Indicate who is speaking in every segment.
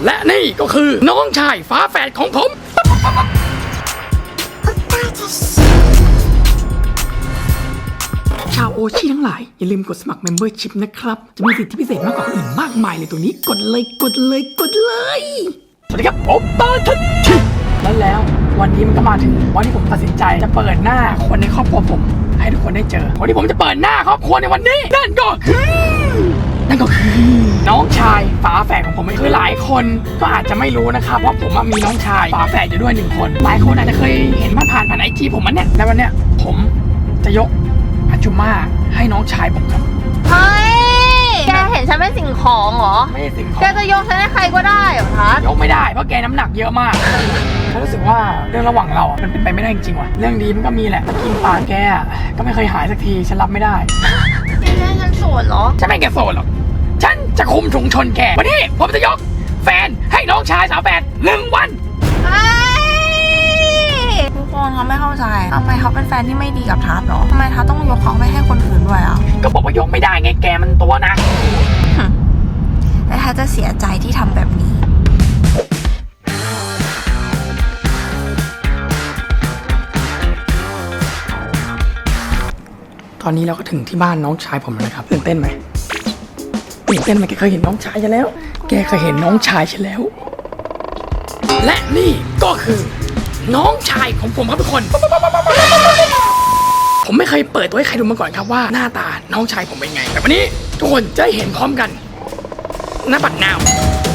Speaker 1: และนี่ก็คือน้องชายฝาแฝดของผมชาวโอชิทั้งหลายอย่าลืมกดสมัคร Membership นะครับจะมีสิทธิพิเศษมากกว่าคนอื่นมากมายเลยตัวนี้กดเลยสวัสดีครับโอปป้าทัชชิแล้ววันนี้มันก็มาถึงวันที่ผมตัดสินใจจะเปิดหน้าคนในครอบครัวผมให้ทุกคนได้เจอคนที่ผมจะเปิดหน้าครอบครัวในวันนี้นั่นก็คือน้องชายฝาแฝดของผมคือหลายคนก็อาจจะไม่รู้นะครับว่าผมมีน้องชายฝาแฝดอยู่ด้วย1คนหลายคนอาจจะเคยเห็นผ่านไอจีผมมันเนี่ยแล้ววันเนี้ยผมจะยกอาจุม่าให้น้องชายผมครับ
Speaker 2: เฮ้ยแกเห็นฉันเป็นสิ่งของเหรอ
Speaker 1: ไม่ใช่สิ่งของ
Speaker 2: แกจะยกฉันให้ใครก็ได้เหรอทัศ
Speaker 1: ยกไม่ได้เพราะแกน้ำหนักเยอะมากฉันรู้สึกว่าเรื่องระหว่างเรามันเป็นไปไม่ได้จริงๆว่ะเรื่องดีมันก็มีแหละกินปากแกก็ไม่เคยหายสักทีฉันรับไม่ได้
Speaker 2: ไม่ใช่ฉันโสดเหรอ
Speaker 1: ฉันไม่แกโสดหรอกฉันจะคุมชุมชนแกวันนี้ผมจะยกแฟนให้น้องชายสาวแฝด1 วัน
Speaker 2: ทุกคนเขาไม่เข้าใจทำไมเขาเป็นแฟนที่ไม่ดีกับทัศน์หรอทำไมทัศน์ต้องยกเขาไปให้คนอื่นด้วยอ่ะ
Speaker 1: ก็บอกว่ายกไม่ได้ไงแกมันตัวนะ
Speaker 2: แต่ทัศน์จะเสียใจที่ทำแบบนี้
Speaker 1: ตอนนี้เราก็ถึงที่บ้านน้องชายผมแล้วนะครับตื่นเต้นไหมแกเคยเห็นน้องชายฉันแล้วและนี่ก็คือน้องชายของผมครับทุกคนผมไม่เคยเปิดตัวให้ใครดูมาก่อนครับว่าหน้าตาน้องชายผมเป็นไงแต่วันนี้ทุกคนจะได้เห็นพร้อมกันหน้าบัดนาว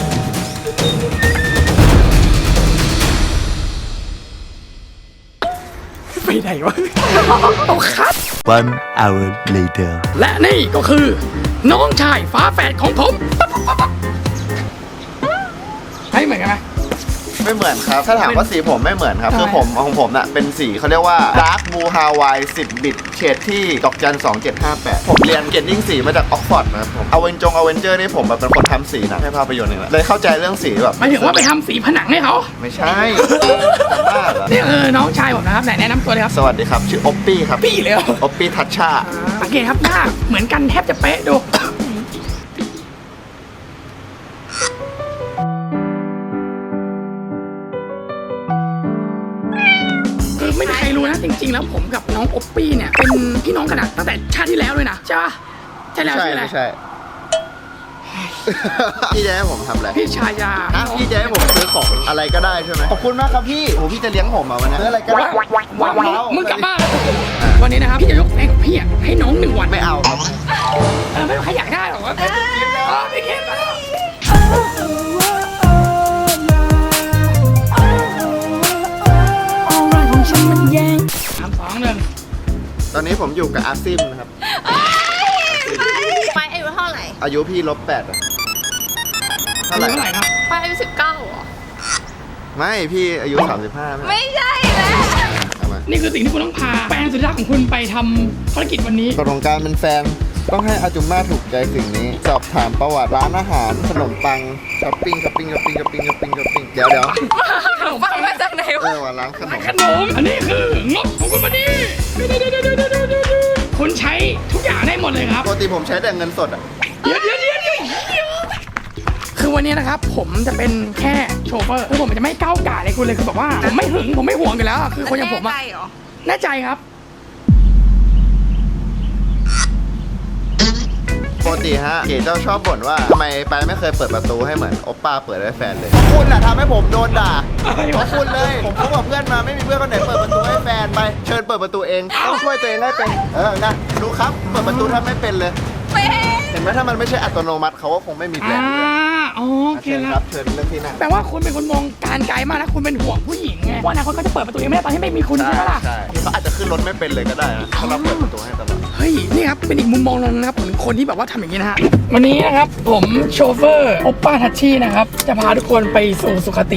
Speaker 1: ไปไหนวะเอาคัด
Speaker 3: 1 hour later
Speaker 1: และนี่ก็คือน้องชายฝาแฝดของผมให้เหมือนกันไหม
Speaker 4: ไม่เหมือนครับถ้าถามว่าสีผมไม่เหมือนครับคือผมของผมน่ะเป็นสีเขาเรียกว่า Dark Blue Hawaii 10 บิตเฉดที่ดอกจัน2758ผมเรียนเกรดดิ้งสีมาจากออกฟอร์ดนะครับผมอเวนเจอร์นี่ผมแบบเป็นคนทำสีหนังให้ภาพยนตร์เองแหละเลยเข้าใจเรื่องสีแบบ
Speaker 1: หมายถึงว่าไปทำสีผนังให้เขา
Speaker 4: ไม่ใช่บ้าเหรอ
Speaker 1: นี่น้องชายผมนะครับไหนแนะนำตัวเลยครับ
Speaker 4: สวัสดีครับชื่อโอปปี้ครับ
Speaker 1: ปี้เลย
Speaker 4: โอปปี้ทัชชา
Speaker 1: สังเกตครับหน้าเหมือนกันแทบจะเป๊ะดูไม่มีใครรู้นะจริงๆแล้วผมกับน้องโอปปี้เนี่ยเป็นพี่น้องกันตั้งแต่ชาติที่แล้วเลยนะใช่ปะใช่แล้ว
Speaker 4: ใช่พี่จะให้ผมทำอะไร
Speaker 1: พี่ชายา
Speaker 4: พี่จะให้ผมซื้อของอะไรก็ได้ใช่ไหมขอบคุณมากครับพี่โอ้พี่จะเลี้ยงผมวันนี้ซื้ออะไรก็ได้
Speaker 1: มึงกลับบ้านวันนี้นะครับพี่จะยกแฟนของพี่ให้น้อง1 วัน
Speaker 4: ไม่เอาครับ
Speaker 1: ไม่ใครอยากได้หรอกวะไม่คิดแล้ว
Speaker 4: ตอนนี้ผมอยู่กับอาซิมนะครับ
Speaker 2: ไปอายุเท่าไหร่
Speaker 4: อายุพี่-8เท่าไหร่
Speaker 1: ครับ
Speaker 2: ไปอายุ19เหรอ
Speaker 4: ไม่พี่อายุ35
Speaker 2: ไม่ใช่แล้ว
Speaker 1: นี่คือสิ่งที่คุณต้องพาแฟนสุดรักของคุณไปทำภารกิจวันนี้
Speaker 4: กฎของการเป็นแฟนต้องให้อาจุม่าถูกใจสิ่งนี้สอบถามประวัติร้านอาหารขนมปังช้อปปิ้งเดี๋ยว
Speaker 2: ขนมปังมาจากไหนวะ
Speaker 4: ร้านขนม
Speaker 1: อันนี้คืองบของคุณวันนี้คุณใช้ทุกอย่างได้หมดเลยครับ
Speaker 4: ปกติผมใช้แต่เงินสด
Speaker 1: เดี๋ยวคือวันนี้นะครับผมจะเป็นแค่โชเฟอร์คือผมจะไม่ก้าวก่ายเลยคุณเลยคือแบบว่าผมไม่หึงผมไม่ห่วงกันแล้วคือคนอย่างผมอะแน่ใจครับ
Speaker 4: ปกติฮะเก๋เจ้าชอบบ่นว่าทำไมไปไม่เคยเปิดประตูให้เหมือนโอปป้าเปิดให้แฟนเลยคุณน่ะทำให้ผมโดนด่าเพราะคุณเลยผมคบกับเพื่อนมาไม่มีเพื่อนคนไหนเปิดประตูให้แฟนไปเชิญเปิดประตูเองต้องช่วยตัวเองให้เป็นนะดูครับเปิดประตูถ้าไม่เป็นเลยเห็นไหมถ้ามันไม่ใช่อัตโนมัติเขาก็คงไม่มีแฟนเลย
Speaker 1: โอเค
Speaker 4: ครับเชิญเรื่องที่นั่ง
Speaker 1: แปลว่าคุณเป็นคนมองการไกลมากนะคุณเป็นห่วงผู้หญิงไงว่าอนาคตเขาจะเปิดประตูเองไม่ได้ตอนที่ไม่มีคุณใช่ไหมล่ะ
Speaker 4: ใช่เขาอาจจะขึ้นรถไม่เป็นเลยก็ได้นะถ้าเราเปิดประตูให้ตลอด
Speaker 1: เฮ้ยนี่ครับเป็นอีกมุมมองนึงนะครับของคนที่แบบว่าทำอย่างนี้นะฮะวันนี้นะครับผมโชเฟอร์โอปป้าทัชชี่นะครับจะพาทุกคนไปสู่สุคติ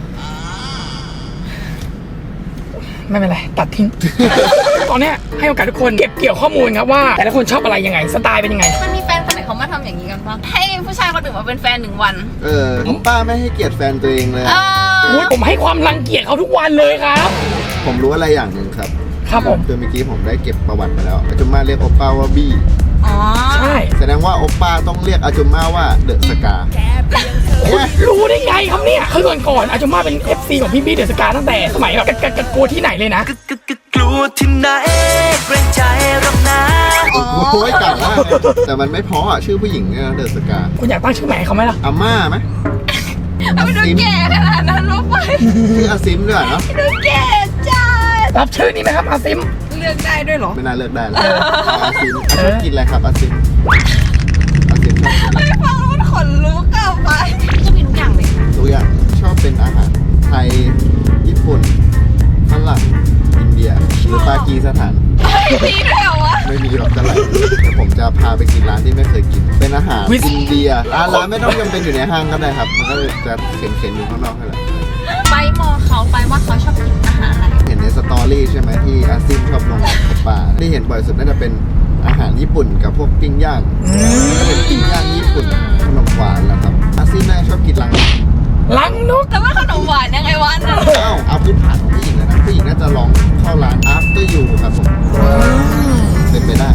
Speaker 1: ไม่เป็นไรตัดทิ้ง ตอนนี้ให้โอกาสทุกคนเก็บเกี่ยวข้อมูลครับว่าแต่ละคนชอบอะไรยังไงสไตล์เป็นยังไง
Speaker 2: มันมีแฟนคนไหนเขามาทำอย่างนี้กันบ้างให้ผู้ชายคนอื่นมาเป็นแฟน1 วัน
Speaker 4: ผมป้าไม่ให้เกียรติแฟนตัวเองเลย
Speaker 1: ผมให้ความรังเกียจเขาทุกวันเลยครับ
Speaker 4: ผมรู้อะไรอย่างหนึ่งครับ
Speaker 1: ผม
Speaker 4: คือเมื่อกี้ผมได้เก็บประวัติมาแล้วอาจุม่าเรียกโอป้าว่าบี้
Speaker 2: อ๋อ
Speaker 1: ใช่
Speaker 4: แสดงว่าโอปป้าต้องเรียกอาจุมมาว่าเดอะสกา
Speaker 1: คุณรู้ได้ไงครับเนี่ยคือก่อนอาจุมาเป็น FC ของพี่บี้เดอะสกาตั้งแต่สมัยแบบกะโกที่ไหนเลยนะ
Speaker 3: กลัวที่ไหนเกรงใจหรอกนะ
Speaker 4: โอ้ยเก่ามากเลยแต่มันไม่เพราะอ่ะชื่อผู้หญิงเนี่ยเดอะสกา
Speaker 1: คุณอยากตั้งชื่อใหม่ให้เขาไหมล่ะ
Speaker 4: อาม่าไหม
Speaker 2: ไม่ต้องแก่ขนาดนั้นลงไป
Speaker 4: ชื่ออาซิมด้วยเนาะ
Speaker 2: ไม่ต้องแก่จ้า
Speaker 1: รับชื่อนี้ไหมครับอาซิม
Speaker 2: เลือกได้ด้วยเหรอ
Speaker 4: ไม่น่าเลือกได้แล้วอาซิมชอบกินอะไรครับอาซิมอาซิมชอบกินอะไร
Speaker 2: ไม่ฟังแล้วมันขนลุกอะไปก็มีทุกอย่างเลยค่ะ
Speaker 4: ทุกอย่างชอบเป็นอาหารไทยญี่ปุ่นฝรั่งอินเดียหรือปากีสถาน
Speaker 2: ไม่มีด้วยเหรอวะ
Speaker 4: ไม่มีหรอกเท่าไหร่แต่ผมจะพาไปกินร้านที่ไม่เคยกิน เป็นอาหารอินเดียร้านไม่ต้องจำเป็นอยู่ในห้างก็ได้ครับ มันก็จะเข็นๆอยู่ข้างนอกนั่นแหละ
Speaker 2: ไปมองเขาไปว่าเขาชอบกินอาหารอะไร
Speaker 4: เห็นในสตอรี่ใช่ไหมที่อาซิมชอบลงกับป่าที่เห็นบ่อยสุดน่าจะเป็นอาหารญี่ปุ่นกับพวกปิ้งย่างก็เป็นปิ้งย่างญี่ปุ่นขนมหวานแล้วครับอาซิมน่าจะชอบกินรังนก
Speaker 1: ลังนก
Speaker 2: แต่ว่าขนมหวานยังไงวะนั่น
Speaker 4: เอาพื้นฐานของผู้หญิงเลยนะผู้หญิงน่าจะลองเข้าร้าน after you ครับผมเป็นไปได้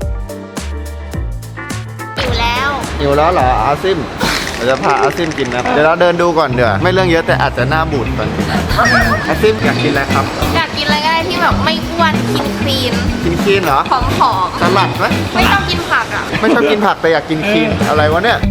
Speaker 2: อยู่แล้ว
Speaker 4: หิวแล้วเหรออาซิมเราจะพาอาซิมกินนะเดี๋ยวเราเดินดูก่อนเดี๋ยวไม่เรื่องเยอะแต่อาจจะหน้าบูดก่อนอาซิมอยากกินอะไรครับ
Speaker 2: อยากกินอะไรก็ได้ที่แบบไม่อ้วนคลีน
Speaker 4: กินคลีนเหรอ
Speaker 2: ผอม
Speaker 4: สลัดไหม
Speaker 2: ๆไม่ต้องกินผักอ่ะ
Speaker 4: ไม่ชอบกินผักแต่อยากกินคลีนอะไรวะเนี่ย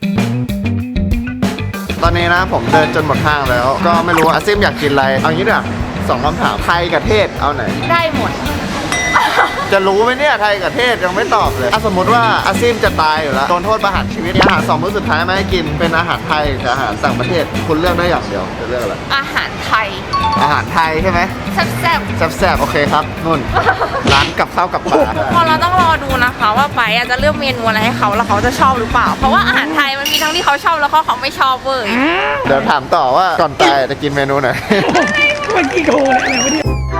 Speaker 4: ตอนนี้นะผมเดินจนหมดห้างแล้ว ก็ไม่รู้อาซิมอยากกินอะไรเอางี้ดีกว่า2 คำถามไทยกับเทศเอาไหน
Speaker 2: ได้หมด
Speaker 4: จะรู้ไหมเนี่ยไทยกับเทศยังไม่ตอบเลยถ้าสมมติว่าอาซิมจะตายอยู่แล้วโดนโทษประหารชีวิตมีอาหาร2 มื้อสุดท้ายไม่ให้กินเป็นอาหารไทยกับอาหารต่างประเทศคุณเลือกได้อย่างเดียวจะเลือกอะไร
Speaker 2: อาหารไทย
Speaker 4: อาหารไทยใช่ไหม
Speaker 2: แซ่บ
Speaker 4: แซ่บๆโอเคครับนุ่น ร้านกับข้าวกับปลา
Speaker 2: ๆพอเราต้องรอดูนะคะว่าไปอาจจะเลือกเมนูอะไรให้เขาแล้วเขาจะชอบหรือเปล่า เพราะว่าอาหารไทยมันมีทั้งที่เขาชอบแล้วก็เขาไม่ชอบเว้ย
Speaker 4: เดี๋ยวถามต่อว่าก่อนตายจะกินเมนูไหน
Speaker 1: มันกี่โกเลยอะไรวะเนี่ย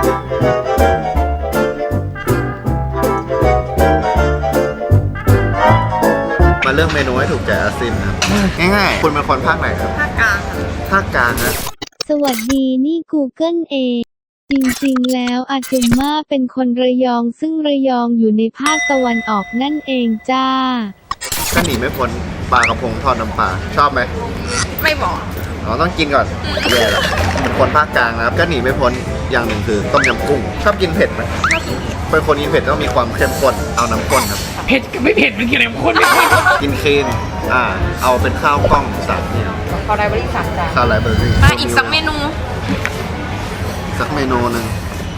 Speaker 4: มาเลือกเมนูให้ถูกใจอาซิมนะครับง่ายๆคุณเป็นคนภาคไหนครับ
Speaker 2: ภาคกลาง
Speaker 4: ภาคกลางนะ
Speaker 5: สวัสดีนี่ Google เอง จริงๆ แล้วอาจุมมาเป็นคนระยองซึ่งระยองอยู่ในภาคตะวันออกนั่นเองจ้า
Speaker 4: ก็หนีไม่พ้นปลากระพงทอดน้ำปลาชอบไหม
Speaker 2: ไม่บอก
Speaker 4: เราต้องกินก่อนแย่ละเป็นคนภาคกลางนะครับก็หนีไม่พ้นอย่างหนึ่งคือต้มยำกุ้งชอบกินเผ็ดไหมเป็นคนกินเผ็ดต้องมีความเข้มข้นเอาน้ำข้นครับ
Speaker 1: เผ็ดกับไม่เผ็ดมันกี่อะไรคนไม่คน
Speaker 4: กินคลีนเอาเป็นข้าวกล้อง3เนี่ย
Speaker 2: เขาได้บริษัทจ้ะ
Speaker 4: ข้าวไรเบอร์รี่
Speaker 2: มาอีกสักเมนู
Speaker 4: สักเมนูหนึ่ง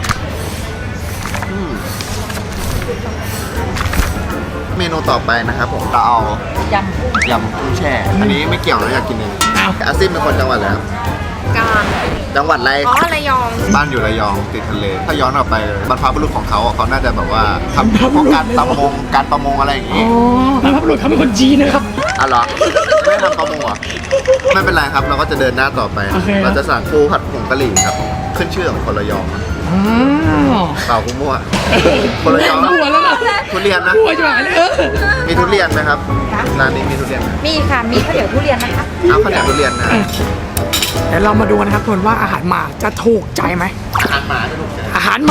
Speaker 4: เมนูต่อไปนะครับผมจะเอา
Speaker 2: ยำกุ้ง
Speaker 4: ยำกุ้งแช่ อันนี้ไม่เกี่ยวนะอยากกินเอง
Speaker 1: อ้าว
Speaker 4: อาซิมเป็นคนจังหวัดอะไรครับ
Speaker 2: กลาง
Speaker 4: จังหวัดอะไร
Speaker 2: อ๋อระยอง
Speaker 4: บ้านอยู่ระยองติดทะเล ถ้าย้อนกลับไปบรรพบุรุษของเขาเขาน่าจะแบบว่าทำพวกการประมงอะไรอย่าง
Speaker 1: อ๋
Speaker 4: งี้
Speaker 1: อแล้วพระบุรุษเขาเป็นคนจีนนะครับ
Speaker 4: อ๋อเหรอไม่ทำประมงเหรอไม่เป็นไรครับ เราก็จะเดินหน้าต่อไป
Speaker 1: โอเค
Speaker 4: เราจะสั่งปูผัดผงกะหรี่ครับ ขึ้นชื่อของคนระยอง
Speaker 1: อ้าว
Speaker 4: เปล่ากุ้มั่วคนระยอง
Speaker 1: หัวแล้วนะ
Speaker 4: ทุเรียนนะ
Speaker 1: หัวจะหายเลย
Speaker 4: มีทุเรียนไหมครับร้านนี้มีทุเรียนไหม
Speaker 2: มีค่ะ มีข้าวเหนียวทุเรียนนะคะ
Speaker 4: เอาข้าวเหนียวทุเรียนนะ
Speaker 1: เดี๋ยวเรามาดูนะครับทุกคนว่าอาหารหมาจะถูกใจไหม
Speaker 4: อาหารหมาจะถูกใจ
Speaker 1: อาหารหมา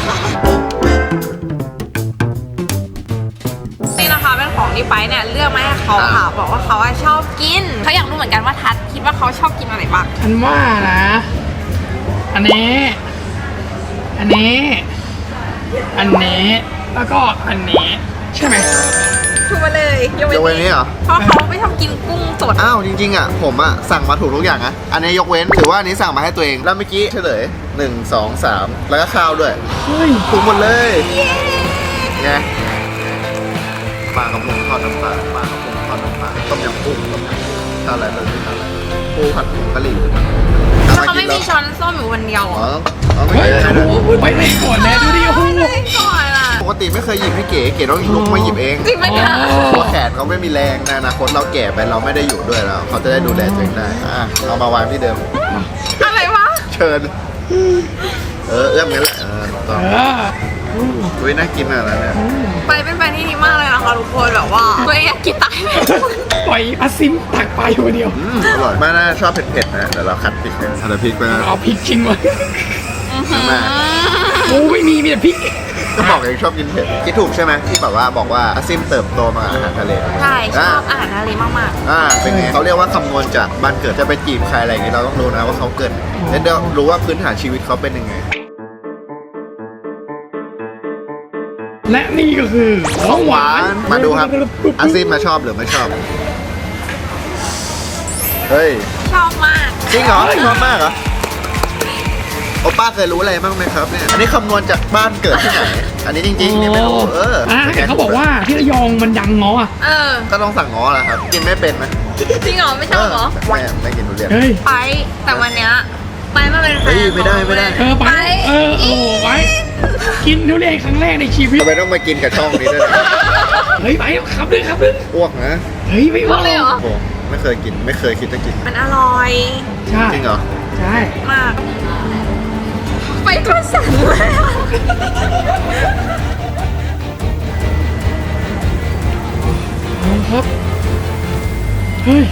Speaker 2: นี่นะคะเป็นของที่ไปเนี่ยเลือกมาให้เขาค่ะบอกว่าเขาชอบกินเขาอยากรู้เหมือนกันว่าทัดคิดว่าเขาชอบกินอะไรบ้าง
Speaker 1: ฉันว่านะ อันนี้ อันนี้ อันนี้ แล้วก็อันนี้ ใช่ไหม
Speaker 2: ถูกมาเลยยก
Speaker 4: ยกเว้นนี้เหรอ
Speaker 2: เพราะเขาไม่ชอบกินกุ้งสด
Speaker 4: อ้าวจริงๆอ่ะผมอ่ะสั่งมาถูกทุกอย่างนะอันนี้ยกเว้นถือว่าอันนี้สั่งมาให้ตัวเองแล้วเมื่อกี้เฉลย1 2 3แล้วก็ข้าวด้วย
Speaker 1: เฮ้ย
Speaker 4: ถูกหมดเลยไงปลากระพงทอดน้ำปลาปลากระพงทอดน้ำปลาต้มยำกุ้งต้มยำข้าวอะไรเลยข้าวอะไรปูผัดผงกะหรี่
Speaker 2: เขาไม่มีช้อนส้อมอยู่วันเดียว
Speaker 4: อ๋อเอาไม่
Speaker 1: เฮ้ย
Speaker 4: ใช่
Speaker 1: โอ้โหไปเลยก่อนแล้วดูดิโอ้โห
Speaker 2: ไม่ก่อนอ่ะ
Speaker 4: ปกติไม่เคยหยิบให้เก๋ต้องลุกมาหยิบเอง
Speaker 2: จริงไหมเนี่ย
Speaker 4: เพราะแขนเขาไม่มีแรงในอนาคตเราแก่ไปเราไม่ได้อยู่ด้วยแล้วเขาจะได้ดูแลตัวเองได้เอามาวางที่เดิม
Speaker 2: อะไรวะ
Speaker 4: เชิญเอื้อมงั้นแหละต้อง
Speaker 1: เออ
Speaker 4: อุ้ยน่ากินอะไรเนี่ย
Speaker 2: ไปเป็นแฟนที่ดีมากเลยนะคะทุกคนแบบว่าตัวเองอยากกินตายเลย
Speaker 1: ปล่อยอาซิมตักไปคนเดียว
Speaker 4: อร่อยมากน่าชอบเผ็ดๆนะเดี๋ยวเราคัดพริกกันคัดพริกไปนะ
Speaker 1: เอาพริกจริงวะ
Speaker 4: มา
Speaker 1: โอ้ไม่มีแต่พริก
Speaker 4: ก็บอกเองชอบกินเผ็ดคิดถูกใช่ไหมที่แบบว่าบอกว่าอาซิมเติบโตมาอาหารทะเล
Speaker 2: ใช่ชอบอาหารทะเลมาก
Speaker 4: เป็นไงเขาเรียกว่าคำนวณจากบ้านเกิดจะไปจีบใครอะไรอย่างงี้เราต้องรู้นะว่าเขาเกิดแล้วเดี๋ยวรู้ว่าพื้นฐานชีวิตเขาเป็นยังไง
Speaker 1: และนี่ก็คือของหวาน
Speaker 4: มาดูครับอาซิมมาชอบหรือไม่ชอบเฮ้ย
Speaker 2: ๆ ชอบมาก
Speaker 4: จริงเหรอชอบมากเหรอโอป้าเคยรู้อะไรบ้างไหมครับเนี่ยอันนี้คำนวณจากบ้านเกิดที่ไหนอันนี้จริงๆนี่ไม่รู้
Speaker 1: แต่เขาบอกว่าที่ระยองมันดังง้ออ่ะ
Speaker 4: ก็ต้องสั่งง้อแหละครับกินไม่เป็นนะ
Speaker 2: จริงเหรอไม่ชอบเหรอ
Speaker 4: ไม่กินทุเรียน
Speaker 1: เฮ้ย
Speaker 2: ไปแต่วันเนี้ยไปมาเป็นแฟน
Speaker 4: เฮ้ยไม่ได้
Speaker 1: ไปโอ้ไปกินทุเรียนครั้งแรกในชีวิต
Speaker 4: ทำไมต้องมากินกับช่องนี้ด้วย
Speaker 1: เฮ้ยไปครับเลยครับเลย
Speaker 4: อ้วกนะ
Speaker 1: เฮ้ยไม่ว่า
Speaker 2: เลยเหรอ
Speaker 4: โอ้ไม่เคยกินไม่เคยคิดจะกิน
Speaker 2: มันอร่อย
Speaker 1: ใช่
Speaker 4: จริงเหรอ
Speaker 1: ใช่
Speaker 2: มาก ไปตัวสั่นเลยอะ
Speaker 1: ครับเฮ้ย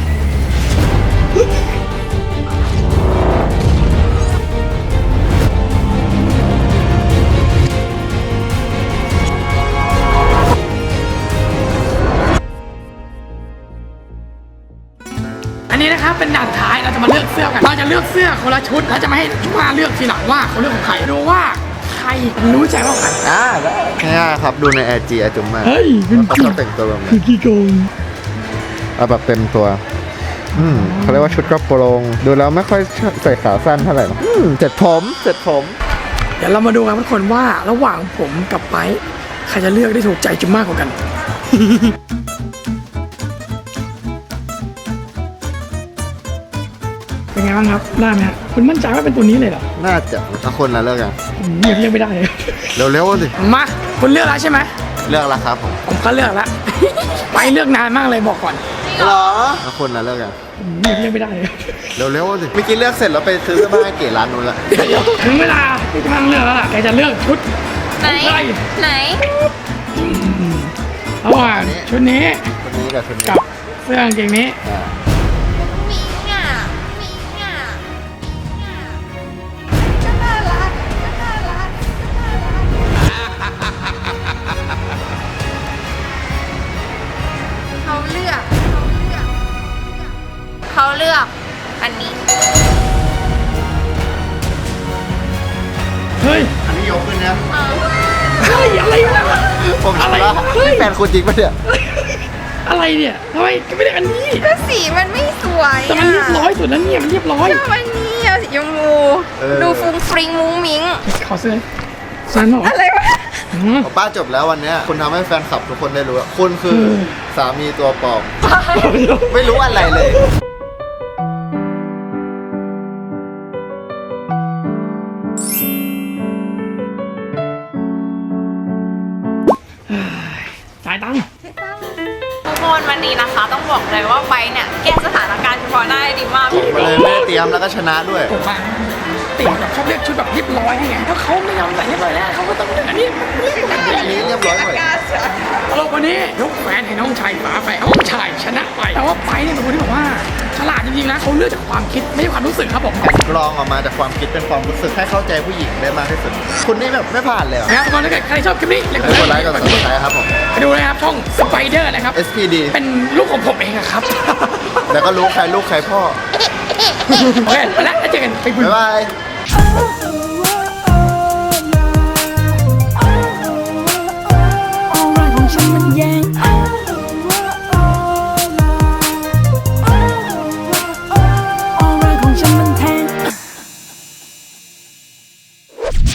Speaker 1: อันนี้นะครับเป็นด่านท้ายเราจะมาเลือกเสื้อกันเราจะเลือกเสื้อคนละชุดแล้วจะมาให้ชุมาเลือกทีหลังว่าเขาเลือกของใครดูว่าใครรู้ใจว่าใคร
Speaker 4: ได้ง่ายครับดูใน IG อาจุ๋มมาก
Speaker 1: เฮ้ย
Speaker 4: เขาชอบแต่งตัวแบบไหน
Speaker 1: กี่โกง
Speaker 4: เอาแบบเต็มตัวเขาเรียกว่าชุดกระโปรงดูแล้วไม่ค่อยใส่ขาสั้นเท่าไหร่นะเสร็จผม
Speaker 1: เดี๋ยวเรามาดูกันทุกคนว่าระหว่างผมกับไปใครจะเลือกได้ถูกใจจุ๊มมากกว่ากัน เป็นไงบ้างครับได้ไหมฮะคุณมั่นใจว่าเป็นตัวนี้เลยเหรอ
Speaker 4: น่าจะเอาคนละเลือกกัน
Speaker 1: ผมเลือกไม่ได้เลย
Speaker 4: เร็วๆสิ
Speaker 1: มาคุณเลือกแล้วใช่ไหม
Speaker 4: เลือกแล้วครับผม
Speaker 1: ผมก็เลือกแล้ว ไปเลือกนานมากเลยบอกก่อน
Speaker 4: เหรอเอาคนละเลือกกัน
Speaker 1: ผมเลือกไม่ได้เลย
Speaker 4: เร็วๆสิเมื่อกี้เลือกเสร็จแล้วไปซื้อเสื้อผ้าให้เก๋ร้านนู้นละ
Speaker 1: ถึงเวลาที่จะต้องเลือกแล้วล่ะแกจะเลือกชุด
Speaker 2: ไหน
Speaker 1: อะไร
Speaker 2: ไหน
Speaker 1: ระหว่างชุดนี้
Speaker 4: คนนี้กับคนนี้
Speaker 1: กับเสื้อกางเกงนี้
Speaker 2: มิงอ่ะมิงอ่ะก็น่ารักก็น่ารักเขาเลือกอันนี้
Speaker 1: เฮ้ย
Speaker 4: อันนี้ยกขึ้นนะ
Speaker 1: เฮ้ยอะไรวะ
Speaker 4: ผม
Speaker 1: อะไร
Speaker 4: ถามว่า
Speaker 1: เฮ้ย
Speaker 4: แฟนคุณจริงปะเนี่ย
Speaker 1: อะไรเนี่ยทำไมไม่ได้อันนี้
Speaker 2: ก็สีมันไม่สวย
Speaker 1: แต่มันเรียบร้อยสุดแล้วเนี่ยมันเรียบร้อย
Speaker 2: ก็มันนี่อะสีชมพูดูฟุ้งฟริงมุ้งมิ้ง
Speaker 1: ขอเสื้อสันหรอ
Speaker 2: อะไรวะ
Speaker 4: ป้าจบแล้ววันเนี้ยคุณทำให้แฟนคลับทุกคนได้รู้ว่าคุณคือสามีตัวปลอม ไม่รู้อะไรเลย
Speaker 1: จ่ายตังค์
Speaker 2: ทุกคนวันนี้นะคะต้องบอกเลยว่าไปเนี่ยแก้สถานการณ์เฉพาะหน้าได้ดีมาก
Speaker 4: มาเลยไม่ได้เตรียมแล้วก็ชนะด้วย
Speaker 1: ผมอะติแบบชอบเลือกชุดแบบเรียบร้อยให้ไงถ้าเขาไม่ยอมใส่เรียบร้อยแล้วเขาก็ต้องเลือกอันนี้
Speaker 4: อันนี้เรียบร้อยหมด
Speaker 1: ตลกวันนี้ยกแฟนให้น้องชายฝาไปน้องชายชนะไปแต่ว่าไปเนี่ยเป็นคนที่แบบว่าฉลาดจริงๆนะเขาเลือกจากความคิดไม่ใช่ความรู้สึกครับผม
Speaker 4: กรองออกมาจากความคิดเป็นความรู้สึกให้เข้าใจผู้หญิงได้มากที่สุด คุณนี่แบบไม่ผ่านเลยเหรอ
Speaker 1: นะครับทุกคนถ้าเกิดใครชอบคลิปนี้อย่าลืม
Speaker 4: กดไลค์กดซับสไครต์ครับผม
Speaker 1: ไปดูนะครับช่องสไปเดอร์นะครับ
Speaker 4: SPD
Speaker 1: เป็นลูกของผมเองอะครับ
Speaker 4: แล้วก็รู้ใครลูกใครพ่อ
Speaker 1: โอเคไปแล้วเจอกันไปบุญ
Speaker 4: บ๊ายบาย